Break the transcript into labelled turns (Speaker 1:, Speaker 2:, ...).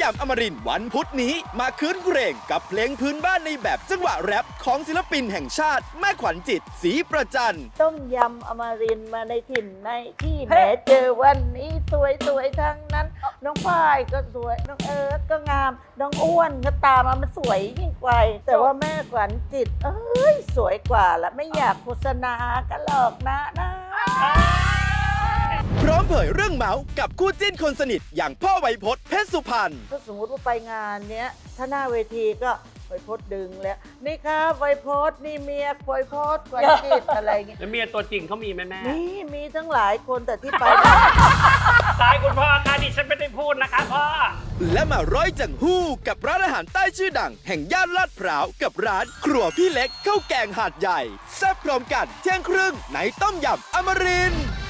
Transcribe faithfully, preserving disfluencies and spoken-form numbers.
Speaker 1: ำอมรินทร์วันพุธนี้มาคืนเพลงกับเพลงพื้นบ้านในแบบจังหวะแรปของศิลปินแห่งชาติแม่ขวัญจิตศรีประจัน
Speaker 2: ต้มยำอมรินทร์มาในถิ่นในที่แม้เจอวันนี้สวยสวยทั้งนั้น น้องฝ้ายก็สวยน้องเอิร์ธก็งามน้องอ้วนก็ตามมามันสวยยิ่งกว่าแต่ว่าแม่ขวัญจิตเอ้ยสวยกว่าละไม่อยากโฆษณากันหรอกนะนะ
Speaker 1: พร้อมเผยเรื่องเมาส์กับคู่จิ้นคนสนิทอย่างพ่อไวยพจน์เพชรสุพรรณ
Speaker 2: ถ้าสมมติว่าไปงานเนี้ยถ้าหน้าเวทีก็ไวยพจน์ดึงแล้วนี่ครับไวยพจน์นี่เมียไวยพจน์ขวัญจิตอะไรเงี้ย
Speaker 3: แล้วเมียตัวจริงเขามีไหมแม่
Speaker 2: นี่มีทั้งหลายคนแต่ที่ไป
Speaker 3: ตายคุณพ่อค่ะดิฉันไม่ได้พูดนะคะพ่อ
Speaker 1: และมาร้อยจังหู้กับร้านอาหารใต้ชื่อดังแห่งย่านลาดพร้าวกับร้านครัวพี่เล็กข้าวแกงหาดใหญ่แซ่บพร้อมกันเที่ยงครึ่งในต้มยำอมรินทร์